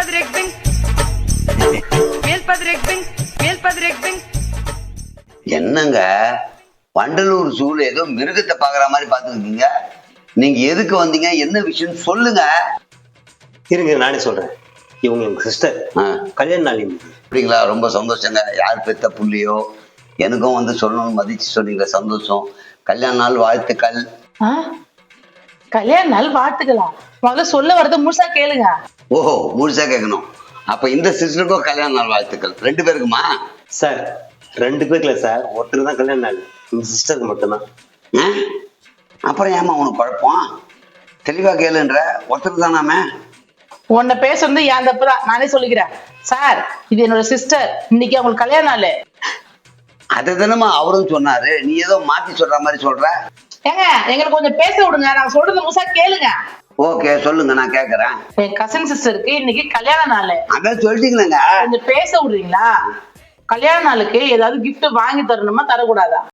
என்னங்க வண்டலூர் ஜூல ஏதோ மிருகத்தை பாக்குற மாதிரி பாத்துருக்கீங்க. நீங்க எதுக்கு வந்தீங்க, என்ன விஷயம் சொல்லுங்க. இருங்க நானே சொல்றேன். இவங்க எங்க சிஸ்டர், கல்யாண நாள். அப்படிங்களா? ரொம்ப சந்தோஷங்க. யார் பெத்த புள்ளியோ எனக்கும் வந்து சொல்லணும்னு மதிச்சு சொன்னீங்க, சந்தோஷம். கல்யாண நாள் வாழ்த்துக்கள். கல்யாண நாள் வாழ்த்துக்களா? முதல்ல சொல்ல வரத முழுசா கேளுங்க. ஓஹோ, முழுசா கேட்கணும். அப்ப இந்த சிஸ்டருக்கும் கல்யாண நாள் வாழ்த்துக்கள். 2 பேருக்குமா? சார் 2 பேர்ல சார், ஒருத்தர் தான் கல்யாண நாள், எங்க சிஸ்டருக்கு மட்டும்தான். அப்புறம் ஏமா உனக்கு குழப்பம்? தெளிவா கேளுன்ற. ஒருத்தர் தானாமே. உன்னை பேசுறது என் தப்பு தான், நானே சொல்லிக்கிறேன். சார், இது என்னோட சிஸ்டர். இன்னைக்கு அவங்களுக்கு கல்யாண நாள். அதை தானமா அவரும் சொன்னாரு, நீ ஏதோ மாத்தி சொல்ற மாதிரி சொல்ற. ஏங்க, எங்களுக்கு கொஞ்சம் பேச விடுங்க. நான் சொல்றது முழுசா கேளுங்க. ஓகே, சொல்லுங்க, நான் கேக்குறேன். என் கசின் சிஸ்டருக்கு இன்னைக்கு கல்யாண நாள். அதான் சொல்லிட்டீங்களேங்க. கொஞ்சம் பேச விடுறீங்களா? கல்யாண நாளுக்கு ஏதாவது கிஃப்ட் வாங்கி தரணுமா, தரக்கூடாதா?